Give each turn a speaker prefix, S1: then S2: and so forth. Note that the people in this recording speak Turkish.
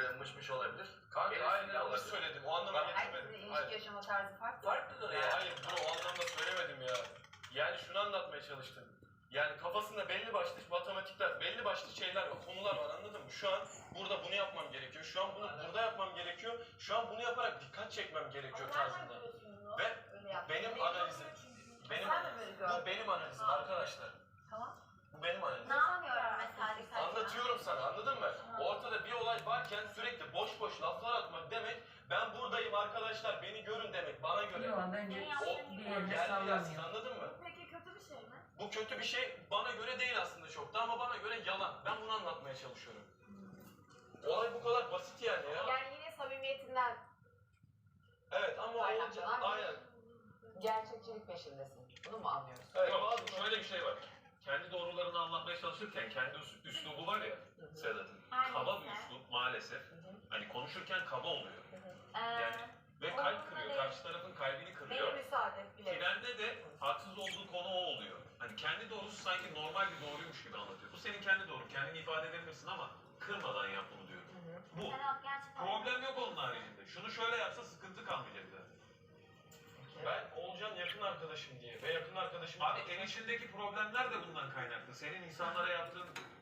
S1: mışmış olabilir.
S2: Kanka hayır yanlış söyledim. O anlama getirmedim.
S3: Herkesin ilişki yaşama tarzı farklı.
S1: Farklıdır ya.
S2: Hayır bunu o anlamda söylemedim ya. Yani şunu anlatmaya çalıştım. Yani kafasında belli başlı matematikler, belli başlı şeyler var, konular var, anladın mı? Şu an burada bunu yapmam gerekiyor, şu an bunu burada yapmam gerekiyor, şu an bunu yaparak dikkat çekmem gerekiyor tarzında. Ve benim analizim, bu benim analizim arkadaşlar.
S3: Tamam.
S2: Bu benim analizim.
S4: Ne yapıyorum mesela?
S2: Anlatıyorum sana, anladın mı? Ortada bir olay varken sürekli boş boş laflar atmak demek, ben buradayım arkadaşlar, beni görün demek, bana göre.
S5: Yok bence
S2: O
S5: bir yerine
S2: geldi
S5: sallamıyor.
S2: gelsin, anladın mı?
S4: Peki kötü bir şey mi?
S2: Bu kötü bir şey bana göre değil aslında çok da ama bana göre yalan. Ben bunu anlatmaya çalışıyorum. Olay bu kadar basit yani ya.
S3: Yani yine samimiyetinden
S2: Evet ama olunca aynen.
S3: gerçekçilik peşindesin. Bunu mu anlıyorsun?
S2: Evet,
S6: Yok,
S2: bazı
S6: şöyle bir şey var. Kendi doğrularını anlatmaya çalışırken kendi üslubu var ya Sedat'ın. Kaba bir üslup maalesef. Hani konuşurken kaba oluyor. Yani ve kalp kırıyor. Karşı tarafın kalbini
S3: Neye
S6: kırıyor.
S3: müsaade bile.
S6: Trende de haksız olduğu konu o oluyor. Hani kendi doğrusu sanki normal bir doğruymuş gibi anlatıyor. Bu senin kendi doğrun. Kendini ifade edebilirsin ama kırmadan yap bunu diyor. Bu.
S4: Serap gerçekten.
S6: Problem yok onun haricinde. Şunu şöyle yapsa sıkıntı kalmayacak zaten.
S2: Ben Oğulcan yakın arkadaşım diye ve yakın arkadaşım...
S6: Abi el içindeki problemler de bundan kaynaklı. Senin insanlara yaptığın